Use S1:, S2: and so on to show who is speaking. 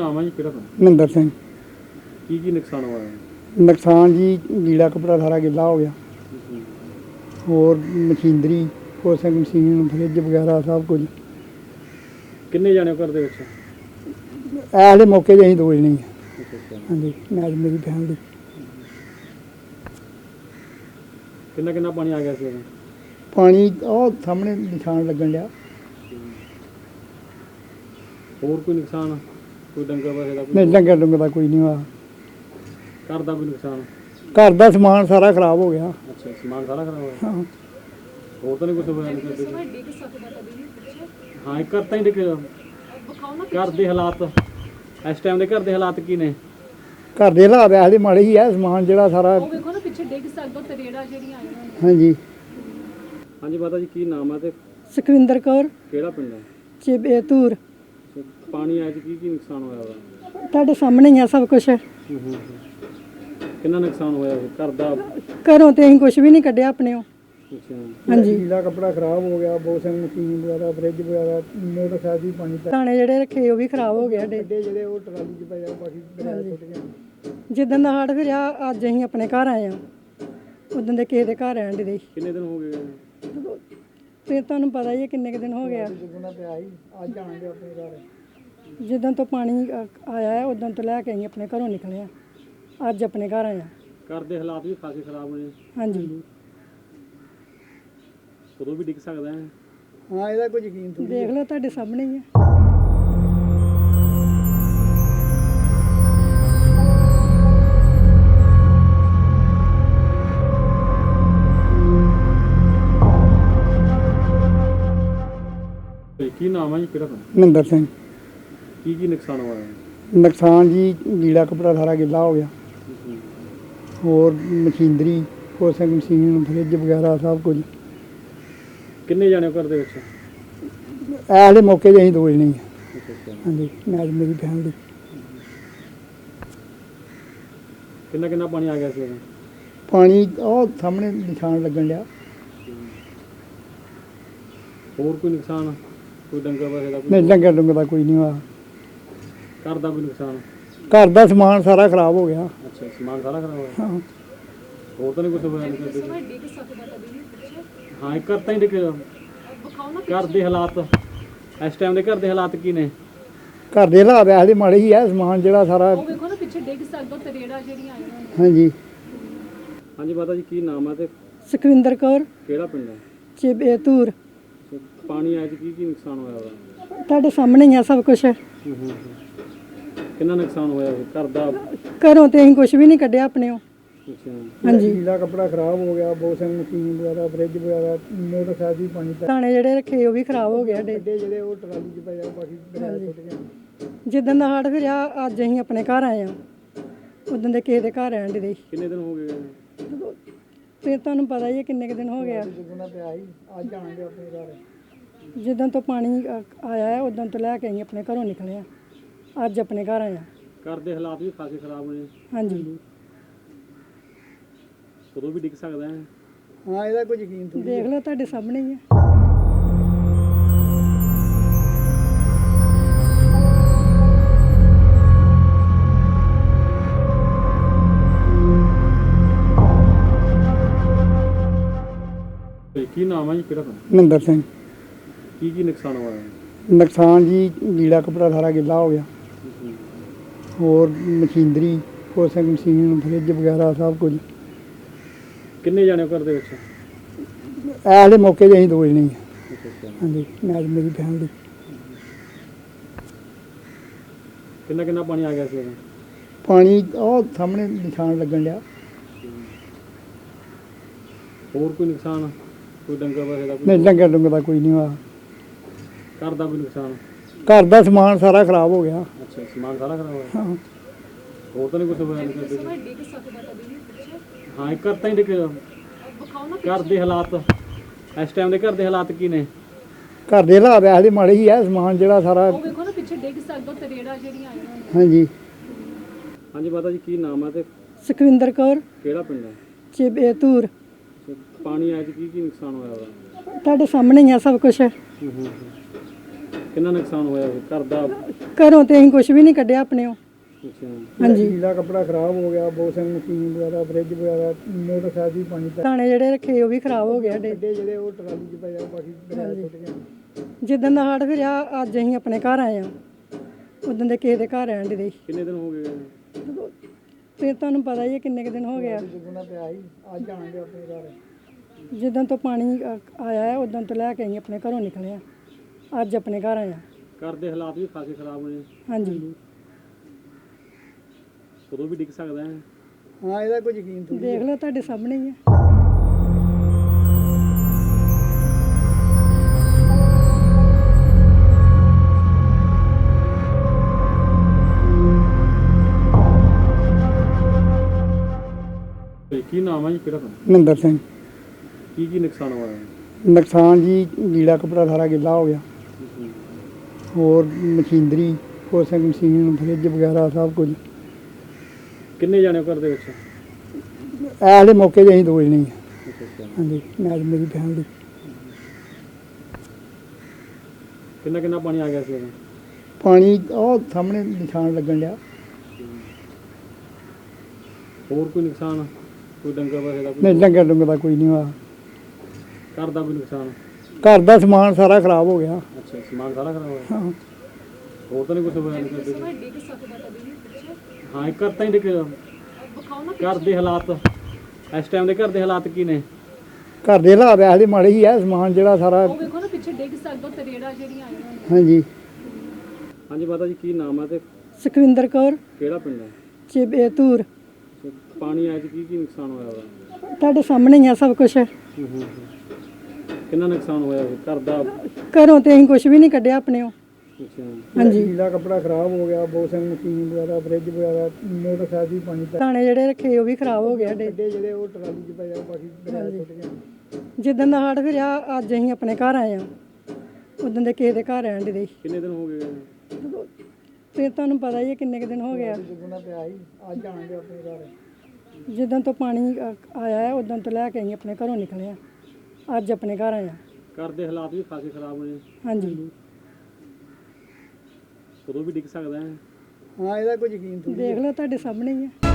S1: ਨਾਮ ਹੈ ਜੀ ਕਿਹੜਾ ਪਿੰਡ?
S2: ਮਹਿੰਦਰ ਸਿੰਘ।
S1: ਕੀ ਨੁਕਸਾਨ ਹੋਇਆ ਹੈ?
S2: ਨੁਕਸਾਨ ਜੀ ਲੀੜਾ ਕੱਪੜਾ ਸਾਰਾ ਗਿੱਲਾ ਹੋ ਗਿਆ, ਹੋਰ ਮਸ਼ੀਨਰੀ ਵਾਸ਼ਿੰਗ ਮਸ਼ੀਨ ਫਰਿੱਜ ਵਗੈਰਾ ਸਭ ਕੁਝ।
S1: ਕਿੰਨੇ ਜਾਣੇ ਹੋ ਘਰ ਦੇ ਵਿੱਚ?
S2: ਇਹਦੇ ਮੌਕੇ 'ਤੇ ਅਸੀਂ ਦੋ ਜਣੇ ਹਾਂ।
S1: ਅੱਛਾ।
S2: ਹਾਂਜੀ, ਮੈਂ ਮੇਰੀ ਫੈਮਿਲੀ।
S1: ਕਿੰਨਾ ਪਾਣੀ ਆ ਗਿਆ ਸੀ ਉਦੋਂ?
S2: ਪਾਣੀ ਉਹ ਸਾਹਮਣੇ ਨਿਸ਼ਾਨ ਲੱਗਣ ਡਿਆ।
S1: ਹੋਰ ਕੋਈ ਨੁਕਸਾਨ? ਕੋਈ ਡੰਗਰ ਵਸੇ ਦਾ?
S2: ਨਹੀਂ, ਡੰਗਰ ਦਾ ਕੋਈ ਨਹੀਂ ਹੋਇਆ।
S1: ਘਰ ਦਾ ਕੋਈ ਨੁਕਸਾਨ?
S2: ਘਰ ਦਾ ਸਮਾਨ ਸਾਰਾ ਖਰਾਬ ਹੋ ਗਿਆ।
S1: ਅੱਛਾ, ਸਮਾਨ ਸਾਰਾ ਖਰਾਬ ਹੋਇਆ।
S2: ਹਾਂ,
S1: ਹੋਰ ਤਾਂ ਨਹੀਂ ਕੁਝ ਹੋਇਆ? ਹਾਂ, ਇੱਕ ਘਰ ਤਾਂ ਹੀ ਡਿੱਗਿਆ। ਘਰ ਦੇ ਹਾਲਾਤ ਇਸ ਟਾਈਮ ਦੇ ਘਰ ਦੇ ਹਾਲਾਤ ਕੀ ਨੇ?
S2: ਘਰ ਦੇ ਹਾਲਾਤ ਇਹਦੇ ਮਾੜੇ ਹੀ ਆ। ਸਮਾਨ ਜਿਹੜਾ ਸਾਰਾ
S3: ਉਹ ਵੇਖੋ ਨਾ ਪਿੱਛੇ ਡਿੱਗ ਸਕਦਾ, ਤਰੇੜਾ ਜਿਹੜੀਆਂ ਆਈਆਂ ਨੇ।
S2: ਹਾਂਜੀ।
S1: ਹਾਂਜੀ ਮਾਤਾ ਜੀ, ਕੀ ਨਾਮ ਹੈ ਤੇ
S2: ਸੁਖਵਿੰਦਰ ਕੌਰ,
S1: ਕਿਹੜਾ ਪਿੰਡ ਹੈ?
S2: ਚਿਬੇ ਧੂਰ।
S1: ਪਾਣੀ ਆਇਆ ਕੀ ਨੁਕਸਾਨ ਹੋਇਆ ਉਹਦਾ?
S2: ਤੁਹਾਡੇ ਸਾਹਮਣੇ ਹੀ ਆ ਸਭ ਕੁਝ।
S1: ਕਿੰਨਾ ਨੁਕਸਾਨ ਹੋਇਆ ਘਰ ਦਾ?
S2: ਘਰੋਂ ਤੇ ਅਸੀਂ ਕੁਝ ਵੀ ਨਹੀਂ ਕੱਢਿਆ ਆਪਣੇੋਂ।
S1: ਅੱਛਾ।
S2: ਹਾਂਜੀ, ਲੀੜਾ ਕੱਪੜਾ ਖਰਾਬ ਹੋ ਗਿਆ, ਵਾਸ਼ਿੰਗ ਮਸ਼ੀਨ ਵਗੈਰਾ, ਫਰਿੱਜ ਵਗੈਰਾ, ਮੋਟਰਸਾਈਕਲ ਵੀ ਪਾਣੀ ਦਾਣੇ ਜਿਹੜੇ ਰੱਖੇ ਉਹ ਵੀ ਖਰਾਬ ਹੋ ਗਏ ਸਾਡੇ। ਜਿਹੜੇ ਉਹ ਟਰਾਲੀ 'ਚ ਪਏ ਆ, ਬਾਕੀ ਟੁੱਟ ਗਏ। ਜਿੱਦਣ ਦਾ ਹੜ੍ਹ ਫਿਰਿਆ ਅੱਜ ਅਸੀਂ ਆਪਣੇ ਘਰ ਆਏ ਆ। ਉਦੋਂ ਦੇ ਕਿਸੇ ਦੇ ਘਰ ਰਹਿਣ ਦੇ।
S1: ਕਿੰਨੇ ਦਿਨ ਹੋ ਗਏ?
S2: ਤੇ ਤੁਹਾਨੂੰ ਪਤਾ ਹੀ ਹੈ ਕਿੰਨੇ ਕੁ ਦਿਨ ਹੋ ਗਿਆ। ਜਿੱਦਾਂ ਦਾ ਪਿਆ ਸੀ ਅੱਜ ਆਣਗੇ ਆਪਣੇ ਘਰ। ਜਿੱਦਾਂ ਤੋਂ ਪਾਣੀ ਆਇਆ ਹੈ ਉਦੋਂ ਤੋਂ ਲੈ ਕੇ ਅਸੀਂ ਆਪਣੇ ਘਰੋਂ ਨਿਕਲੇ ਆ। ਅੱਜ ਆਪਣੇ ਘਰ ਆਏ ਆ।
S1: ਘਰ ਦੇ ਹਾਲਾਤ ਵੀ ਖਾਸੇ ਖਰਾਬ ਹੋਏ।
S2: ਹਾਂਜੀ।
S1: ਕਦੋਂ ਵੀ ਡਿੱਗ ਸਕਦਾ ਹੈ।
S2: ਹਾਂ, ਇਹਦਾ ਕੋਈ ਯਕੀਨ ਥੋੜ੍ਹੀ। ਦੇਖ ਲਓ ਤੁਹਾਡੇ ਸਾਹਮਣੇ ਹੀ ਹੈ।
S1: ਕੀ ਨਾਮ ਹੈ ਜੀ ਕਿਹੜਾ ਪਿੰਡ?
S2: ਮਹਿੰਦਰ ਸਿੰਘ।
S1: ਕੀ ਨੁਕਸਾਨ ਹੋਇਆ ਹੈ?
S2: ਨੁਕਸਾਨ ਜੀ ਲੀੜਾ ਕੱਪੜਾ ਸਾਰਾ ਗਿੱਲਾ ਹੋ ਗਿਆ, ਹੋਰ ਮਸ਼ੀਨਰੀ ਵਾਸ਼ਿੰਗ ਮਸ਼ੀਨ ਫਰਿੱਜ ਵਗੈਰਾ ਸਭ ਕੁਝ।
S1: ਕਿੰਨੇ ਜਾਣੇ ਹੋ ਘਰ ਦੇ ਵਿੱਚ?
S2: ਇਹਦੇ ਮੌਕੇ 'ਤੇ ਅਸੀਂ ਦੋ ਜਣੇ ਹਾਂ। ਹਾਂਜੀ, ਮੈਂ ਮੇਰੀ ਫੈਮਿਲੀ।
S1: ਕਿੰਨਾ ਪਾਣੀ ਆ ਗਿਆ ਸੀ ਉਦੋਂ?
S2: ਪਾਣੀ ਉਹ ਸਾਹਮਣੇ ਨਿਸ਼ਾਨ ਲੱਗਣ ਡਿਆ।
S1: ਹੋਰ ਕੋਈ ਨੁਕਸਾਨ? ਕੋਈ ਡੰਗਰ ਵਸੇ ਦਾ?
S2: ਨਹੀਂ, ਡੰਗਰ ਦਾ ਕੋਈ ਨਹੀਂ ਹੋਇਆ।
S1: ਘਰ ਦਾ ਕੋਈ ਨੁਕਸਾਨ?
S2: ਘਰ ਦਾ ਸਮਾਨ ਸਾਰਾ ਖਰਾਬ ਹੋ ਗਿਆ।
S1: ਅੱਛਾ, ਸਮਾਨ ਸਾਰਾ ਖਰਾਬ ਹੋਇਆ।
S2: ਹਾਂ,
S1: ਹੋਰ ਤਾਂ ਨਹੀਂ ਕੁਝ ਹੋਇਆ?
S3: ਡਿੱਗ ਸਕਦਾ ਕਦੇ ਵੀ ਪਿੱਛੇ।
S1: ਹਾਂ, ਇੱਕ ਘਰ ਤਾਂ ਹੀ ਡਿੱਗਿਆ।
S3: ਵਿਖਾਓ ਨਾ
S1: ਘਰ ਦੇ ਹਾਲਾਤ ਇਸ ਟਾਈਮ ਦੇ ਘਰ ਦੇ ਹਾਲਾਤ ਕੀ ਨੇ?
S2: ਘਰ ਦੇ ਹਾਲਾਤ ਇਹਦੇ ਮਾੜੇ ਹੀ ਆ। ਸਮਾਨ ਜਿਹੜਾ ਸਾਰਾ
S3: ਉਹ ਵੇਖੋ ਨਾ ਪਿੱਛੇ ਡਿੱਗ ਸਕਦਾ, ਤਰੇੜਾ ਜਿਹੜੀਆਂ ਆਈਆਂ ਨੇ।
S2: ਹਾਂਜੀ।
S1: ਹਾਂਜੀ ਮਾਤਾ ਜੀ, ਕੀ ਨਾਮ ਹੈ ਤੇ
S2: ਸੁਖਵਿੰਦਰ ਕੌਰ,
S1: ਕਿਹੜਾ ਪਿੰਡ ਹੈ?
S2: ਚਿਬੇ ਧੂਰ।
S1: ਪਾਣੀ ਆਇਆ ਕੀ ਨੁਕਸਾਨ ਹੋਇਆ ਉਹਦਾ?
S2: ਤੁਹਾਡੇ ਸਾਹਮਣੇ ਹੀ ਆ ਸਭ ਕੁਝ।
S1: ਕਿੰਨਾ ਨੁਕਸਾਨ ਹੋਇਆ ਘਰ ਦਾ?
S2: ਘਰੋਂ ਤੇ ਅਸੀਂ ਕੁਝ ਵੀ ਨਹੀਂ ਕੱਢਿਆ ਆਪਣੇੋਂ।
S1: ਅੱਛਾ।
S2: ਹਾਂਜੀ, ਲੀੜਾ ਕੱਪੜਾ ਖਰਾਬ ਹੋ ਗਿਆ, ਵਾਸ਼ਿੰਗ ਮਸ਼ੀਨ ਵਗੈਰਾ, ਫਰਿੱਜ ਵਗੈਰਾ, ਮੋਟਰਸਾਈਕਲ ਵੀ ਪਾਣੀ ਦਾਣੇ ਜਿਹੜੇ ਰੱਖੇ ਉਹ ਵੀ ਖਰਾਬ ਹੋ ਗਏ ਸਾਡੇ। ਜਿਹੜੇ ਉਹ ਟਰਾਲੀ 'ਚ ਪਏ ਆ, ਬਾਕੀ ਟੁੱਟ ਗਏ। ਜਿੱਦਾਂ ਦਾ ਹੜ੍ਹ ਫਿਰਿਆ ਅੱਜ ਅਸੀਂ ਆਪਣੇ ਘਰ ਆਏ ਆ। ਉਦੋਂ ਦੇ ਕਿਸੇ ਦੇ ਘਰ ਰਹਿਣ ਦੇ।
S1: ਕਿੰਨੇ ਦਿਨ ਹੋ ਗਏ?
S2: ਤੇ ਤੁਹਾਨੂੰ ਪਤਾ ਹੀ ਹੈ ਕਿੰਨੇ ਕੁ ਦਿਨ ਹੋ ਗਿਆ। ਜਿੱਦਾਂ ਦਾ ਪਿਆ ਸੀ ਅੱਜ ਆਣਗੇ ਆਪਣੇ ਘਰ। ਜਿੱਦਾਂ ਤੋਂ ਪਾਣੀ ਆਇਆ ਹੈ ਉਦੋਂ ਤੋਂ ਲੈ ਕੇ ਅਸੀਂ ਆਪਣੇ ਘਰੋਂ ਨਿਕਲੇ ਆ। ਅੱਜ ਆਪਣੇ ਘਰ ਆਏ ਆ।
S1: ਘਰ ਦੇ ਹਾਲਾਤ ਵੀ ਖਾਸੇ ਖਰਾਬ ਹੋਏ।
S2: ਹਾਂਜੀ।
S1: ਕਦੋਂ ਵੀ ਡਿੱਗ ਸਕਦਾ ਹੈ।
S2: ਹਾਂ, ਇਹਦਾ ਕੋਈ ਯਕੀਨ ਥੋੜ੍ਹੀ। ਦੇਖ ਲਓ ਤੁਹਾਡੇ ਸਾਹਮਣੇ ਹੀ ਹੈ।
S1: ਕੀ ਨਾਮ ਹੈ ਜੀ ਕਿਹੜਾ ਪਿੰਡ?
S2: ਮਹਿੰਦਰ ਸਿੰਘ।
S1: ਕੀ ਨੁਕਸਾਨ ਹੋਇਆ ਹੈ?
S2: ਨੁਕਸਾਨ ਜੀ ਲੀੜਾ ਕੱਪੜਾ ਸਾਰਾ ਗਿੱਲਾ ਹੋ ਗਿਆ, ਹੋਰ ਮਸ਼ੀਨਰੀ ਵਾਸ਼ਿੰਗ ਮਸ਼ੀਨ ਫਰਿੱਜ ਵਗੈਰਾ ਸਭ ਕੁਝ।
S1: ਕਿੰਨੇ ਜਾਣੇ ਹੋ ਘਰ ਦੇ ਵਿੱਚ?
S2: ਇਹਦੇ ਮੌਕੇ 'ਤੇ ਅਸੀਂ ਦੋ ਜਣੇ ਹਾਂ। ਹਾਂਜੀ, ਮੈਂ ਮੇਰੀ ਫੈਮਿਲੀ।
S1: ਕਿੰਨਾ ਪਾਣੀ ਆ ਗਿਆ ਸੀ ਉਦੋਂ?
S2: ਪਾਣੀ ਉਹ ਸਾਹਮਣੇ ਨਿਸ਼ਾਨ ਲੱਗਣ ਡਿਆ।
S1: ਹੋਰ ਕੋਈ ਨੁਕਸਾਨ? ਕੋਈ ਡੰਗਰ ਵਸੇ ਦਾ?
S2: ਨਹੀਂ, ਡੰਗਰ ਦਾ ਕੋਈ ਨਹੀਂ ਹੋਇਆ।
S1: ਘਰ ਦਾ ਕੋਈ ਨੁਕਸਾਨ?
S2: ਘਰ ਦਾ ਸਮਾਨ ਸਾਰਾ ਖਰਾਬ ਹੋ ਗਿਆ।
S1: ਅੱਛਾ, ਸਮਾਨ ਸਾਰਾ ਖਰਾਬ ਹੋਇਆ।
S2: ਹਾਂ,
S1: ਹੋਰ ਤਾਂ ਨਹੀਂ ਕੁਝ ਹੋਇਆ?
S3: ਡਿੱਗ ਸਕਦਾ ਕਦੇ ਵੀ ਪਿੱਛੇ।
S1: ਹਾਂ, ਇੱਕ ਘਰ ਤਾਂ ਹੀ ਡਿੱਗਿਆ।
S3: ਵਿਖਾਓ ਨਾ
S1: ਘਰ ਦੇ ਹਾਲਾਤ ਇਸ ਟਾਈਮ ਦੇ ਘਰ ਦੇ ਹਾਲਾਤ ਕੀ ਨੇ?
S2: ਘਰ ਦੇ ਹਾਲਾਤ ਇਹਦੇ ਮਾੜੇ ਹੀ ਆ। ਸਮਾਨ ਜਿਹੜਾ ਸਾਰਾ
S3: ਉਹ ਵੇਖੋ ਨਾ ਪਿੱਛੇ ਡਿੱਗ ਸਕਦਾ, ਤਰੇੜਾ ਜਿਹੜੀਆਂ ਆਈਆਂ ਨੇ।
S2: ਹਾਂਜੀ।
S1: ਹਾਂਜੀ ਮਾਤਾ ਜੀ, ਕੀ ਨਾਮ ਹੈ ਤੇ
S2: ਸੁਖਵਿੰਦਰ ਕੌਰ,
S1: ਕਿਹੜਾ ਪਿੰਡ ਹੈ?
S2: ਚਿਬੇ ਧੂਰ।
S1: ਪਾਣੀ ਆਇਆ ਕੀ ਨੁਕਸਾਨ ਹੋਇਆ ਉਹਦਾ?
S2: ਤੁਹਾਡੇ ਸਾਹਮਣੇ ਹੀ ਆ ਸਭ ਕੁਝ।
S1: ਕਿੰਨਾ ਨੁਕਸਾਨ ਹੋਇਆ ਇਹ? ਘਰ ਦਾ?
S2: ਘਰੋਂ ਤੇ ਅਸੀਂ ਕੁਝ ਵੀ ਨਹੀਂ ਕੱਢਿਆ ਆਪਣੇੋਂ।
S1: ਅੱਛਾ।
S2: ਹਾਂਜੀ,
S4: ਨੀਲਾ ਕੱਪੜਾ ਖਰਾਬ ਹੋ ਗਿਆ, ਵਾਸ਼ਿੰਗ ਮਸ਼ੀਨ ਵਗੈਰਾ, ਫ੍ਰਿਜ ਵਗੈਰਾ, ਮੋਟਰਸਾਈਕਲ ਵੀ ਪਾਣੀ ਪੈ
S2: ਦਾਣੇ ਜਿਹੜੇ ਰੱਖੇ ਉਹ ਵੀ ਖਰਾਬ ਹੋ ਗਏ ਸਾਡੇ।
S4: ਗੱਡੇ ਜਿਹੜੇ ਉਹ ਟਰਾਲੀ 'ਚ ਪਏ ਆ, ਬਾਕੀ ਦਰਿਆ ਸੁੱਟ ਗਏ।
S2: ਜਿੱਦਣ ਦਾ ਹੜ੍ਹ ਫਿਰਿਆ ਅੱਜ ਅਸੀਂ ਆਪਣੇ ਘਰ ਆਏ ਆ, ਉਦੋਂ ਦੇ ਕਿਸੇ ਦੇ ਘਰ ਰਹਿਣ ਦੇ।
S1: ਕਿੰਨੇ ਦਿਨ ਹੋ ਗਏ?
S2: ਤੇ ਤੁਹਾਨੂੰ ਪਤਾ ਹੀ ਹੈ ਕਿੰਨੇ ਕੁ ਦਿਨ ਹੋ ਗਿਆ।
S4: ਜਦੋਂ ਦਾ ਪਿਆ ਸੀ, ਅੱਜ ਆਣਗੇ ਆਪਣੇ ਘਰ।
S2: ਜਿੱਦਣ ਤੋਂ ਪਾਣੀ ਆਇਆ ਹੈ ਉਦੋਂ ਤੋਂ ਲੈ ਕੇ ਅਸੀਂ ਆਪਣੇ ਘਰੋਂ ਨਿਕਲੇ ਆ, ਅੱਜ ਆਪਣੇ ਘਰ ਆਏ ਆ।
S1: ਘਰ ਦੇ ਹਾਲਾਤ ਵੀ ਖਾਸੇ ਖਰਾਬ ਹੋਏ।
S2: ਹਾਂਜੀ,
S1: ਕਦੋਂ ਵੀ ਡਿੱਗ ਸਕਦਾ ਹੈ।
S4: ਹਾਂ, ਇਹਦਾ ਕੋਈ ਯਕੀਨ ਥੋੜ੍ਹੀ।
S2: ਦੇਖ ਲਓ ਤੁਹਾਡੇ ਸਾਹਮਣੇ ਹੀ ਹੈ।
S1: ਕੀ ਨਾਮ ਹੈ ਜੀ, ਕਿਹੜਾ ਪਿੰਡ?
S4: ਮਹਿੰਦਰ ਸਿੰਘ।
S1: ਕੀ ਨੁਕਸਾਨ ਹੋਇਆ?
S4: ਨੁਕਸਾਨ ਜੀ, ਨੀਲਾ ਕੱਪੜਾ ਸਾਰਾ ਗਿੱਲਾ ਹੋ ਗਿਆ, ਹੋਰ ਮਸ਼ੀਨਰੀ, ਵਾਸ਼ਿੰਗ ਮਸ਼ੀਨ, ਫ੍ਰਿਜ ਵਗੈਰਾ ਸਭ ਕੁਝ।
S1: ਕਿੰਨੇ ਜਾਣੇ ਹੋ ਘਰ ਦੇ ਵਿੱਚ?
S4: ਐਲੇ ਮੌਕੇ 'ਤੇ ਅਸੀਂ ਦੋ ਜਣੇ ਹਾਂ।
S1: ਅੱਛਾ ਅੱਛਾ।
S4: ਹਾਂਜੀ, ਨਾਲ ਮੇਰੀ ਫੈਮਿਲੀ।
S1: ਕਿੰਨਾ ਪਾਣੀ ਆ ਗਿਆ ਸੀ ਉਦੋਂ?
S4: ਪਾਣੀ ਉਹ ਸਾਹਮਣੇ ਨਿਸ਼ਾਨ ਲੱਗਣ ਡਿਆ।
S1: ਹੋਰ ਕੋਈ ਨੁਕਸਾਨ? ਕੋਈ ਡੰਗਰ ਵਸੇ ਦਾ?
S4: ਨਹੀਂ, ਡੰਗਰ ਡੁੰਗਰ ਦਾ ਕੋਈ ਨਹੀਂ ਹੋਇਆ।
S1: ਘਰ ਦਾ ਕੋਈ ਨੁਕਸਾਨ?
S4: ਘਰ ਦਾ ਸਮਾਨ ਸਾਰਾ ਖਰਾਬ ਹੋ ਗਿਆ।
S1: ਅੱਛਾ, ਸਮਾਨ ਸਾਰਾ ਖਰਾਬ ਹੋਇਆ।
S4: ਹਾਂ,
S1: ਹੋਰ ਤਾਂ ਨਹੀਂ ਕੁਝ ਹੋਇਆ?
S3: ਸਮਾਂ ਡਿੱਗ ਸਕਦਾ ਕਦੇ ਵੀ ਪਿੱਛੇ
S1: ਹਾਂ, ਇੱਕ ਘਰ ਤਾਂ ਹੀ ਡਿੱਗ।
S3: ਵਿਖਾਓ ਨਾ
S1: ਘਰ ਦੇ ਹਾਲਾਤ ਇਸ ਟਾਈਮ ਦੇ ਘਰ ਦੇ ਹਾਲਾਤ ਕੀ ਨੇ?
S4: ਘਰ ਦੇ ਹਾਲਾਤ ਇਹਦੇ ਮਾੜੇ ਹੀ ਆ, ਸਮਾਨ ਜਿਹੜਾ ਸਾਰਾ।
S3: ਉਹ ਵੇਖੋ ਨਾ ਪਿੱਛੇ ਡਿੱਗ ਸਕਦਾ, ਤਰੇੜਾ ਜਿਹੜੀਆਂ ਆਈਆਂ ਨੇ।
S4: ਹਾਂਜੀ,
S1: ਹਾਂਜੀ ਮਾਤਾ ਜੀ, ਕੀ ਨਾਮ ਹੈ ਤੇ
S2: ਸੁਖਵਿੰਦਰ ਕੌਰ,
S1: ਕਿਹੜਾ ਪਿੰਡ ਹੈ?
S2: ਚਿਬੇ ਧੂਰ।
S1: ਪਾਣੀ ਆਇਆ ਤੇ ਕੀ ਨੁਕਸਾਨ ਹੋਇਆ ਉਹਦਾ?
S2: ਤੁਹਾਡੇ ਸਾਹਮਣੇ ਹੀ ਆ ਸਭ ਕੁਝ।
S1: ਕਿੰਨਾ ਨੁਕਸਾਨ ਹੋਇਆ ਇਹ? ਘਰ ਦਾ?
S2: ਘਰੋਂ ਤੇ ਅਸੀਂ ਕੁਝ ਵੀ ਨਹੀਂ ਕੱਢਿਆ ਆਪਣੇੋਂ।
S1: ਅੱਛਾ।
S2: ਹਾਂਜੀ,
S4: ਨੀਲਾ ਕੱਪੜਾ ਖਰਾਬ ਹੋ ਗਿਆ, ਵਾਸ਼ਿੰਗ ਮਸ਼ੀਨ ਵਗੈਰਾ, ਫ੍ਰਿਜ ਵਗੈਰਾ, ਮੋਟਰਸਾਈਕਲ ਵੀ ਪਾਣੀ ਪੈ।
S2: ਦਾਣੇ ਜਿਹੜੇ ਰੱਖੇ ਉਹ ਵੀ ਖਰਾਬ ਹੋ ਗਏ ਸਾਡੇ।
S4: ਗੱਡੇ ਜਿਹੜੇ ਉਹ ਟਰਾਲੀ 'ਚ ਪਏ ਆ, ਬਾਕੀ ਦਰਿਆ ਸੁੱਟ ਗਏ।
S2: ਜਿੱਦਣ ਦਾ ਹੜ੍ਹ ਫਿਰਿਆ ਅੱਜ ਅਸੀਂ ਆਪਣੇ ਘਰ ਆਏ ਆ, ਉਦੋਂ ਦੇ ਕਿਸੇ ਦੇ ਘਰ ਰਹਿਣ ਦੇ।
S1: ਕਿੰਨੇ ਦਿਨ ਹੋ ਗਏ?
S2: ਤੇ ਤੁਹਾਨੂੰ ਪਤਾ ਹੀ ਹੈ ਕਿੰਨੇ ਕੁ ਦਿਨ ਹੋ ਗਿਆ।
S4: ਜਦੋਂ ਦਾ ਪਿਆ ਸੀ, ਅੱਜ ਆਣਗੇ ਆਪਣੇ ਘਰ।
S2: ਜਿੱਦਣ ਤੋਂ ਪਾਣੀ ਆਇਆ ਹੈ ਉਦੋਂ ਤੋਂ ਲੈ ਕੇ ਅਸੀਂ ਆਪਣੇ ਘਰੋਂ ਨਿਕਲੇ ਆ, ਅੱਜ ਆਪਣੇ ਘਰ ਆਏ ਆ।
S1: ਘਰ ਦੇ ਹਾਲਾਤ ਵੀ ਖਾਸੇ ਖਰਾਬ ਹੋਏ।
S2: ਹਾਂਜੀ,
S1: ਕਦੋਂ ਵੀ ਡਿੱਗ ਸਕਦਾ ਹੈ।
S4: ਹਾਂ, ਇਹਦਾ ਕੋਈ ਯਕੀਨ ਥੋੜ੍ਹੀ।
S2: ਦੇਖ ਲਓ ਤੁਹਾਡੇ ਸਾਹਮਣੇ ਹੀ ਹੈ।